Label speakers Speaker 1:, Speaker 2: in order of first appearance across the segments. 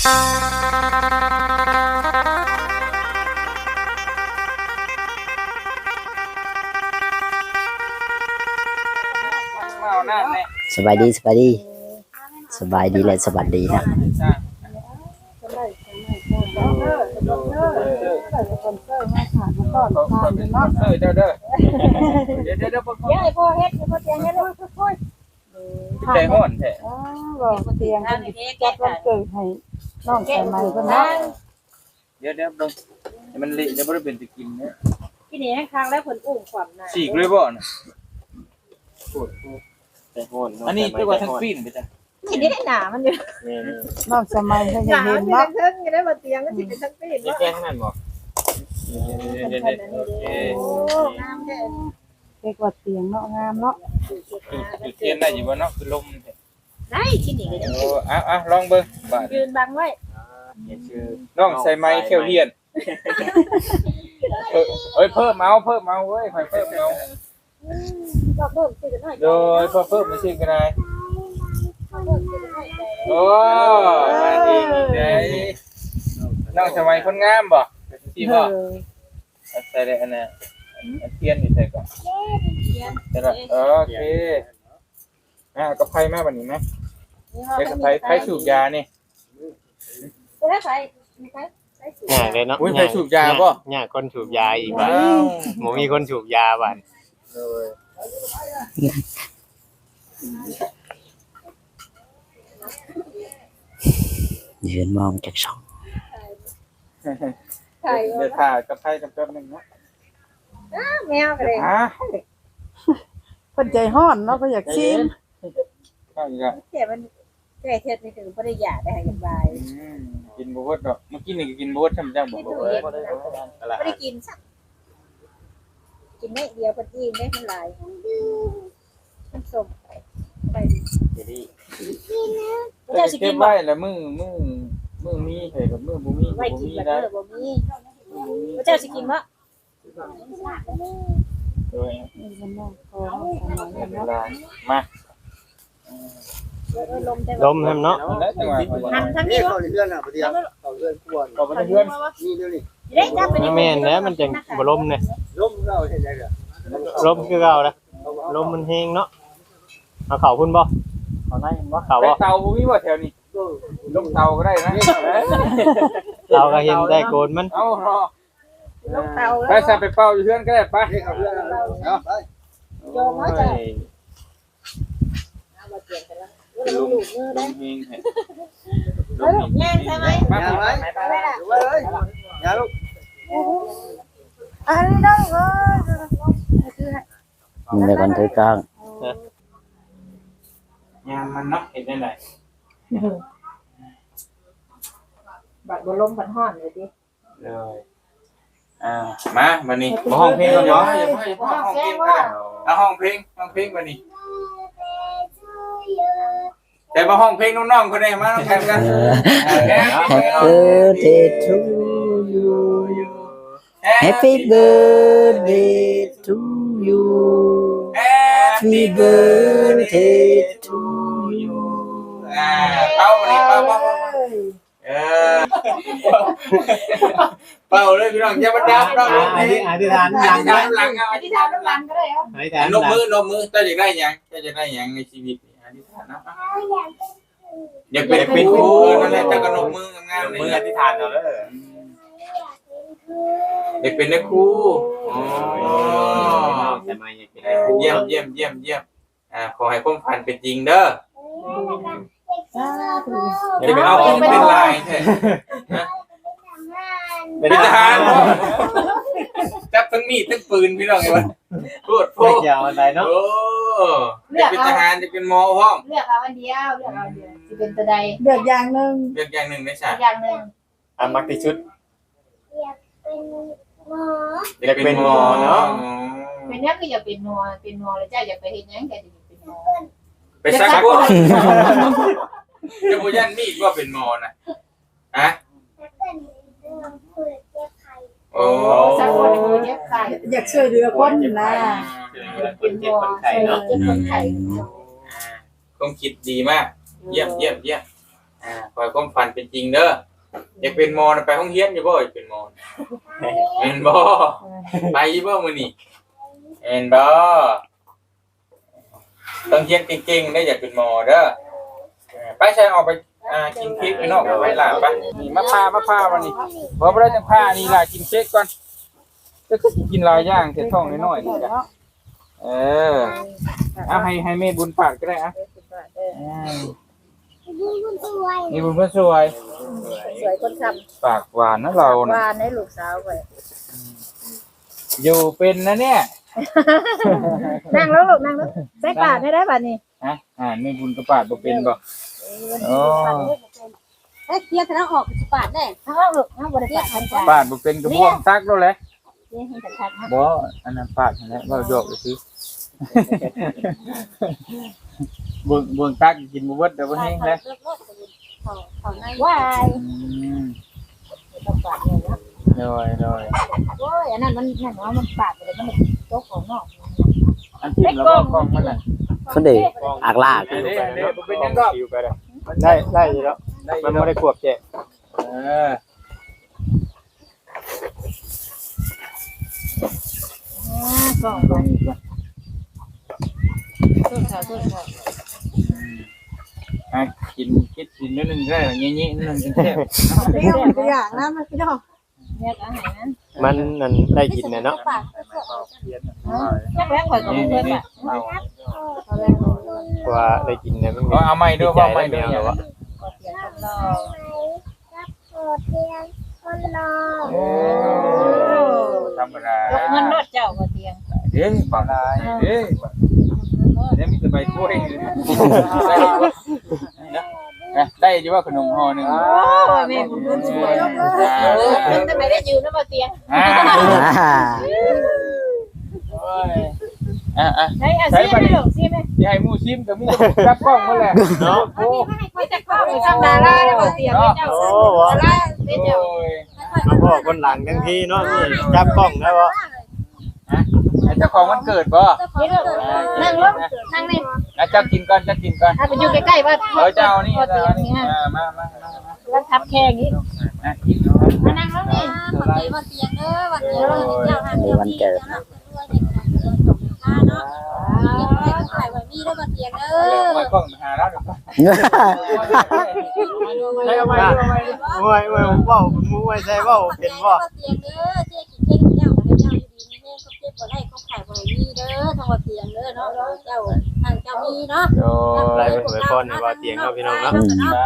Speaker 1: สบายดีสบายดีสบายดีและสวัสดีนะ
Speaker 2: ใจห้อนแท้
Speaker 3: เตียงจัดวันเกิดให้น้องใส่ไม้เพิ่นนะ
Speaker 2: เดี๋ยวเบิ่งมันเละจะบ่ได้เป็นตะกินเด้อ
Speaker 4: กินนี่ให้ค้างแล้วเพิ่นอุ้มความน่ะ
Speaker 2: ฉีกเลยบ่น่ะ
Speaker 5: ใจห้อน
Speaker 2: อันนี้ตัวว่าทั้งปีนไปจ้ะ
Speaker 4: กินได้หนามันอยู่
Speaker 3: น้องใส่ไม้เพิ่น
Speaker 4: ห
Speaker 3: จะ
Speaker 4: นา
Speaker 3: เห็น
Speaker 4: มัน
Speaker 3: เนาะ
Speaker 4: เทิงอยู่ได้บ่เตียงก็สิเป็นทั้งปีน
Speaker 5: นี่
Speaker 4: ว่า
Speaker 5: แก้ข้างนั้นบ่
Speaker 2: เดี๋ยวโอเค
Speaker 4: โอ้งามแท้
Speaker 3: เด็กว่าเตียงเนาะงามเนาะ
Speaker 2: จุดเทียนได้อยู่บ่เนาะคือลมแท้
Speaker 4: ได้กินนี่ก็ได้
Speaker 2: โอ้ลองเบิ่งบาด
Speaker 4: ยืนบังไว้
Speaker 5: ชื่อ
Speaker 2: น้องใส่ไม้เขียวเฮียนเอ้ยเพิ่มเอาเว้ยค่อยเพิ่มเอา
Speaker 4: ก็เพิ่มสิกันหน่อย
Speaker 2: โดยเพิ่มไม่ซิก็ได้โอ้มาดีได้น้องใส่ไม้คนงามบ่สิบ่ใส่ได้อันน่ะเทียนนี่ใส่ก่อนแต่ละโอเคก็ไผมาบัดนี้มั้ยเด็กไผสูบยานี่
Speaker 4: ก็ได้ไปมีใครไปสู
Speaker 5: ยากเลยเนาะ
Speaker 2: อุ้ยไผสูบยาบ่
Speaker 5: ยากคนสูบยาอีก
Speaker 2: ว้า
Speaker 5: บ่
Speaker 2: ว
Speaker 5: บ่มีคนสูบยาบัด
Speaker 2: โดย
Speaker 1: ยืนมองจากช่อง
Speaker 4: ใช่
Speaker 2: เดี๋ยวถ่ายกับไผกับแป๊บนึงนะ
Speaker 4: แมวก็เลย
Speaker 3: เพิ่นใจฮ้อนเนาะเพิ่นอยากชิม
Speaker 2: ข้าวอีกอ่ะ
Speaker 4: แต่มันแก่เฮ็ดนี่คือบ่ได้อยากได้ให้สบาย
Speaker 2: กินบ่เบิดดอกเมื่อกี้นี่ก็กินบ่เบิดทำจังบ่
Speaker 4: ที่
Speaker 2: เบิ
Speaker 4: ตู้
Speaker 2: ด
Speaker 4: เย็นบ่ได้กินสักกินได้เดียวพอดีได้มันหลายมันสมไป
Speaker 5: ดี
Speaker 4: เจ้าสิ
Speaker 2: เก็
Speaker 4: กิ
Speaker 2: บ
Speaker 4: นบ่
Speaker 2: ไว้แล้วมือมีเฮ้ยกับมือบ่มี
Speaker 4: ไว้
Speaker 2: บ่
Speaker 4: กิน
Speaker 2: มี
Speaker 4: แบบ
Speaker 2: ได้
Speaker 4: บ่มีเจ้าสิกินบ่
Speaker 2: โดย
Speaker 3: นี่มันน้องพอน้องใส่ไม้
Speaker 2: เว
Speaker 3: เนาะ
Speaker 2: ลามา
Speaker 4: ลมแต่
Speaker 5: ลมแฮมเนาะ
Speaker 2: แล้วจังหวะ
Speaker 4: หันทั้งนี้
Speaker 6: เข้าในเรือนอ่ะประเดี๋ยวเข้าเรือนกวน
Speaker 2: ก็บ่ได้เพื่อน
Speaker 6: นี่เดี๋ยวนี้
Speaker 4: ได้จับไปนี่
Speaker 5: แม่นแล้วมันจังบ่ลมเนี่ย
Speaker 6: ล้มเราเห็นได้เหรอ
Speaker 5: ลมคือเก่านะลมมันแฮงเนาะเอาเข้าพุ่นบ่
Speaker 2: เอาได้บ่
Speaker 5: เข้า
Speaker 2: ไป
Speaker 5: บ่
Speaker 2: เตาบ่มีบ่แถวนี้ลงเตาก็ได้นะ
Speaker 5: เราก็เห็นได้โกนมัน
Speaker 2: เอารอ
Speaker 4: ลงเตา
Speaker 2: ไป
Speaker 4: แล้ว
Speaker 2: ใส่ไปเป่าอยู่เพื่อนก็ได้ไป
Speaker 6: นี่เข้าเรือนเอาไป
Speaker 4: โยมมาจ้ะเอามาเปลี่ยนกันแล้วลูกมือ
Speaker 2: ล
Speaker 4: ได้
Speaker 2: มเฮงให้
Speaker 4: แย่งใช่ไหม
Speaker 2: มา
Speaker 6: อย่า
Speaker 2: ไป
Speaker 6: ไว้
Speaker 4: ไปไว้ล่ะ
Speaker 6: ไว้เลยอย่าลูก
Speaker 3: อันนี้น้องเอ้ย
Speaker 1: ในวันถือกลาง
Speaker 2: ยามมันเนาะเห็นได้ไหน
Speaker 4: บัดบ่ลมบัดฮ้อนเลยดิ
Speaker 2: เลยมาบัดนี้บ่ห้องเพลงก่อนเนาะอย่าพ่อห้องเพลงก็ได้เอาห้องเพลงบัดนี้แต่มาห้องเพลงน้องๆคนนี้มาต้องแข่งกัน
Speaker 1: Happy birthday to you Happy birthday to you Happy birthday to you
Speaker 2: เป่าเลยเป่าเป่าเลยพี่น้องอย่ามาดับเรา
Speaker 5: อธิษฐานหลัง
Speaker 2: หลัง
Speaker 4: อธิษฐานหลังก็ได้ครับ
Speaker 5: อธิษฐาน
Speaker 2: นกมือเจ้าจะได้ยังในชีวิตอธิษฐานนะอยากเป็นครูนั่นแหละเจ้าก็นกมืองามๆ
Speaker 5: มือ
Speaker 2: นี่
Speaker 5: อธิษฐานเอาเด้อ
Speaker 2: อยากเป็นนักครู
Speaker 5: แต่ไม่อยากเป็น
Speaker 2: เยี่ยมขอให้ความฝันเป็นจริงเด้อจะไปเอาของเป็นลายแท้เป็นทหารจับทั้งมีดทั้งปืนพี่น้องไงวะพูด
Speaker 5: ยาวอะไรเนาะ
Speaker 2: โอ้จะเป็นทหารจะเป็นหมอพร้อม
Speaker 4: เลือกเอาอันเดียวสิเป็นตัวใด
Speaker 3: เดือดอย่างหนึง
Speaker 2: เลือกอย่างหนึ่งได้ใช่
Speaker 4: อย่างนึง
Speaker 5: มักที่ชุด
Speaker 2: จะเป็นหมอเนาะ
Speaker 4: เป็นยังก็อยากเป็นนัวแล้วเจ้าอยากไปเฮ็ดหยังก็จะเป็นนัว
Speaker 2: ไปซักบุญจะบุยันมีดว่าเป็นหมอนะฮะโอ้
Speaker 4: สักคนบ่เจ็บไข้
Speaker 3: อยากช่วยเหลือคนนะ
Speaker 5: เป็นเจ็บคนไข้เนาะ
Speaker 4: เจ็บคนไข้
Speaker 2: ความคิดดีมากเยี่ยมขอให้ความฝันเป็นจริงเด้ออยากเป็นหมอน่ะไปโรงเรียนอยู่บ่อยากเป็นหมอเห็นบ่ไปอยู่บ่มื้อนี้เห็นบ่ต้องเรียนเก่งๆได้อยากเป็นหมอเด้อไปใช้ออกไปกินเค้กไปนอกไปหลานไปนี่มาพาวันนี้บ่ได้จังพานี่ล่ะกินเค้กก่อนจะกินหลายอย่างแต่ท้องน้อยๆนี่จ้ะเอาให้แม่บุญปากก็ได้อ่ะนี่บุญเพื่อนสวย
Speaker 4: สวยคนท
Speaker 2: ปากหวานนะเรา
Speaker 4: ำ
Speaker 2: นะ
Speaker 4: วานให้ลูกสาวไว้
Speaker 2: อยู่เป็นนะเนี่ย
Speaker 4: นั่งแล้วลูกนั่งแล้วใส่ปากได้บัดนี้
Speaker 2: ฮะแม่บุญกระปาดบ่เป็นบ่โอ้
Speaker 4: เอ๊ะเทียบแล้วออกปาดได้ทั้งออกลูกทั้งบ่ได้ปาดทั้ง
Speaker 2: ปาดบ่เป็นกระพวงซักแล้วแหละ
Speaker 4: เรียนให้ชัดๆนะ
Speaker 2: บ่อันนั้นปาดนั่นแหละว่าโยกซื่อเบิ่งตักกินบ่เบิดเดี๋ยวบ่แห้งแล้ว
Speaker 4: ว้าย
Speaker 2: ต้องปาดเลยนะโดย
Speaker 4: โอ้ยอันนั้นมันนั่นว่ามันปาดไปเลยมันตกของนอก
Speaker 2: อันที่แล้วก็กล้องมันน่ะ
Speaker 1: คนเดีอักลาก
Speaker 2: เด้บ่เป็นหยังก็
Speaker 5: ได้อยู่แล้วมันบ่ได้ควบแจก
Speaker 4: ก็
Speaker 2: กินคิดกินนิดนึงได้หรองี้นิดนึงจังแซ่บ
Speaker 3: เรื่องตัวอย่างนะมันพี่น้อง
Speaker 4: เนี่ยอาหารนั้น
Speaker 5: มันนั่นได้กินน่ะเนาะ
Speaker 4: จักแรงข่อยก็บ่เคยปะ
Speaker 5: เพราะว่าได้กินเนี่ยมัน
Speaker 2: เอาใหม่ด้วยว่าใหม่ด้วย
Speaker 5: แล้
Speaker 2: วะ
Speaker 4: ก็เสียงกันรอ
Speaker 2: ธรรมดาย
Speaker 4: กเงินรถเจ้าก็เตียง
Speaker 2: เด้ปากได้เด้เดี๋ยวมีแต่ใบกล้วยได้อยู่ว่าขนมห่อนึง
Speaker 4: โอ้ยแม่บุญบุญสวยมันทำไมได้ยืนแล้วมาเตียงใช้อาชีพไม่หลงซิไหม
Speaker 2: ที่ให้มูซิมแต่มูรับกล้องมาแหละเนาะโอ้
Speaker 4: ไม่จะเข้าไปทำดาราได้มาเตียงเจ้าดาราเป็นเจ้า
Speaker 5: มาบอกคนหลังทั้งทีเนาะนี่จับกล้องได้บ่
Speaker 2: เจ้าของมันเกิดบ่
Speaker 4: นั่งลงนั่งนี่
Speaker 2: เจ้ากินก่อนเจ้ากินก่อน
Speaker 4: ถ้าไปอยู่ใกล้ๆว่า
Speaker 2: เจ้านี่
Speaker 4: เตียงนี่ฮะ
Speaker 2: มา
Speaker 4: แล้วทับแค่นี้
Speaker 2: กิน
Speaker 4: มานั่งลงนี่
Speaker 7: วันเตียงเด้อวันเตียงเจ้าทางเดียว
Speaker 1: วันเกิด
Speaker 7: เนาะเนาะขายวันนี้เด้อวันเตียงเด้อ
Speaker 2: ไม่กล้องหาแล้วใช้เอาไว้
Speaker 5: มวยเว้ามวยใส่เว้าเป็นบ่
Speaker 7: วันเตียงเด้อเจ๊กินเค้กเจ้าให้เจ้าอยู่ดีนี่แน่ก็เจ็บบ่ได้ก็ขายบ่ได้มีเด้อทางวันเตียงเด้อเนาะเจ้าทางเจ้ามีเนาะ
Speaker 5: ไรเป็นหวยพรในว่าเตียงเนาะพี่น้องเนาะ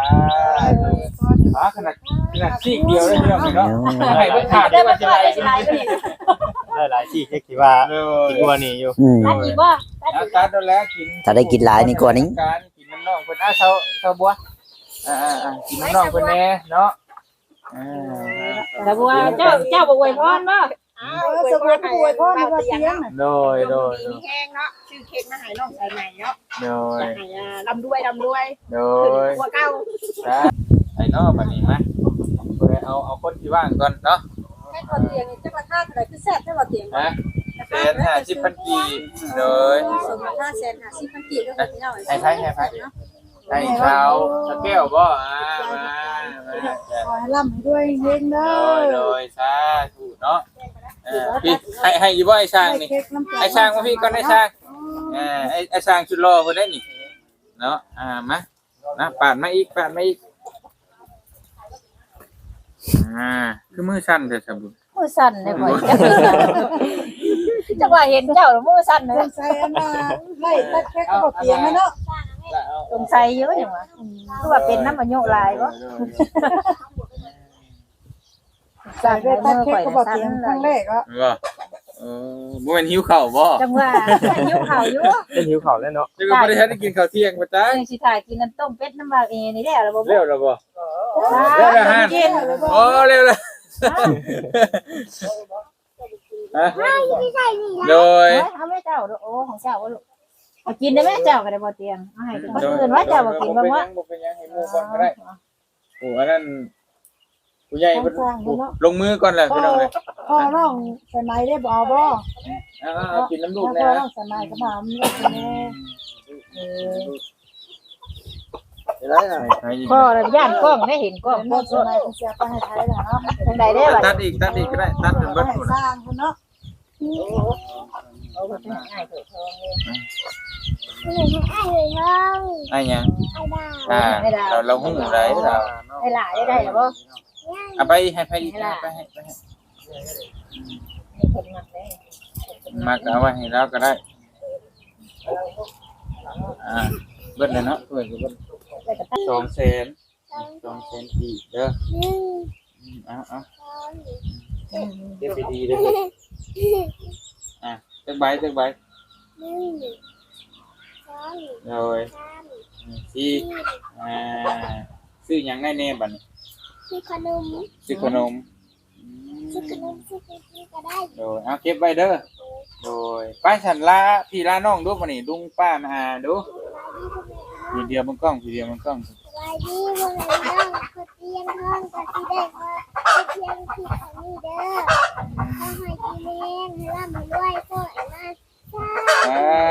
Speaker 2: ขนาดซีกเดียวได้เรื่องเนาะให้เพิ่นขาดได้ว่าจะไร
Speaker 5: ได้หลายที่แค่คิดว่าคิดว่านี่อยู่
Speaker 4: ตัดอีกว่า
Speaker 2: ตัดแล้วกิน
Speaker 1: ถ้าได้กินหลายนี่กว่านี้
Speaker 2: การกินน้ำน่องเพิ่นเซาบัวกินน้ำน่องเพิ่นแน่เนาะ
Speaker 4: แต่ว่าเจ้าบ่อวยพรบ่
Speaker 3: สมบูรณ์ป่วยพ่อมาเตียง
Speaker 2: โดย
Speaker 3: มีแห้งเนาะชื่อเค้กมาให้น้องใส่ใหม่เนาะ
Speaker 2: โดย
Speaker 3: ให้ลำรวย
Speaker 2: โดย
Speaker 3: หัวเก้า
Speaker 2: ไอ้เนาะบัดนี้มาเอาคนที่ว่างก่อนเนาะ
Speaker 7: ให้วันเตียงนี่จักราคาเท่าไหร่คือแซ่บให้วันเตียง
Speaker 2: ฮะ150,000กีโดย
Speaker 7: สมราคาแสน50,000กีบเด้อพี่น้อง
Speaker 2: ให้ชาวสะแก้วบ่มา
Speaker 3: ขอให้ร่ำด้วยเฮงเด้อ
Speaker 2: โดยสาธุเนาะพี่ให้อีบ่ไอ้ช้างนี่
Speaker 3: เค้กน้ำตาล
Speaker 2: ไอ้ช้างมาพี่ก่อนไอ้ช้างไอ้ช้างชุดรอเพิ่นได้นี่เนาะมานะปาดมาอีกคือมือสั่นเด้อครับ
Speaker 4: มือสั่นเลยบ่จังว่าเห็นเจ้ามือสั่นเลย
Speaker 3: ใส่อันน่ะไล่ตัดเค้กก็เตียงเนาะ
Speaker 4: สงสัยเยอะจังว่าคือว่าเป็นน้ำมันโยลายบ่
Speaker 3: ใส่ได้ตัดเค้กก็เตียงครั้งแรกก็
Speaker 2: บ่บ่แม่นหิวข้าวบ่
Speaker 4: จังว่าหิวข้าวอยู่
Speaker 5: เป็นหิวข้าวแล้วเนาะ
Speaker 2: จังก็บ่ได้ทันได้กินข้าวเที่ยงบ่จ้า
Speaker 4: ยังสิถ่ายกินน้ำต้มเป็ดน้ำบาเอนี่ได้แล้วบ่
Speaker 2: เร็วแล้วบ่เร็วแล้วฮะโอ้เร็วแล้วโดย
Speaker 4: เอาแม่เจ้าโอ้ของเจ้าบ่ลูกเอากินได้แม่เจ้าก็ได้บ่เตียงเอาให้คนอื่นว่าเจ้าบ่กินบ่ว่า
Speaker 2: บ่เป็นหยังให้หมู่ก่อนก็ได้โอ้อันนั้นผู้ใหญ่เพิ่นลงมือก่อนแหละพี่น้องเอ้ย
Speaker 3: พ่อน้องใส่ไม้ได้บ่บ่
Speaker 2: เอากินน้ำลูก
Speaker 3: พ่อ
Speaker 2: นะ
Speaker 3: น้องใส่ไม้ก็มา
Speaker 6: อะไรน่ะ
Speaker 2: ใครอีก
Speaker 4: พ่อระย่านกล้องได้เห็นกล้อง
Speaker 3: น้องสมัยเสียไปให้ไทยแล้วเนาะ
Speaker 4: ทางใดได้บ่
Speaker 2: ตัดอีกก็ได้ตัดเป็นเบิด
Speaker 3: ให้
Speaker 2: หมด
Speaker 3: สร้างเนาะ
Speaker 4: เอาไปง่ายเถิดทองเลย
Speaker 2: ไอ้ยังเราหุ้มไรเรา
Speaker 4: ได้หลายได้หรอบ่
Speaker 2: เอาไปให้ไปอีกไปให้
Speaker 4: มีคนมักได้
Speaker 2: มาเอาไว้ให้เราก็ได้เบิดเลยเนาะเบิด200,000ปีเด้อเอาเก็บดีๆเด้อจักใบเลยสี่ซื้อหยังได้แน่บัดนี้
Speaker 8: ซื้อขนม
Speaker 2: ซื้อขนม
Speaker 8: ซื้อขนมซื้อก็ได้
Speaker 2: โดยเอาเก็บไว้เด้อโดยป้าฉันลาพี่ลาน้องดูมานี่ลุงป้ามาดูทีเดียวมันกล้อง
Speaker 8: สบายดีวันไหนน้องก็เตียงห้องก็ที่ได้มาเตียงที่ของนี่เด้อขอให้กินแม่ให้ร่ำให้รวยก็ไอ้มา
Speaker 2: อ่า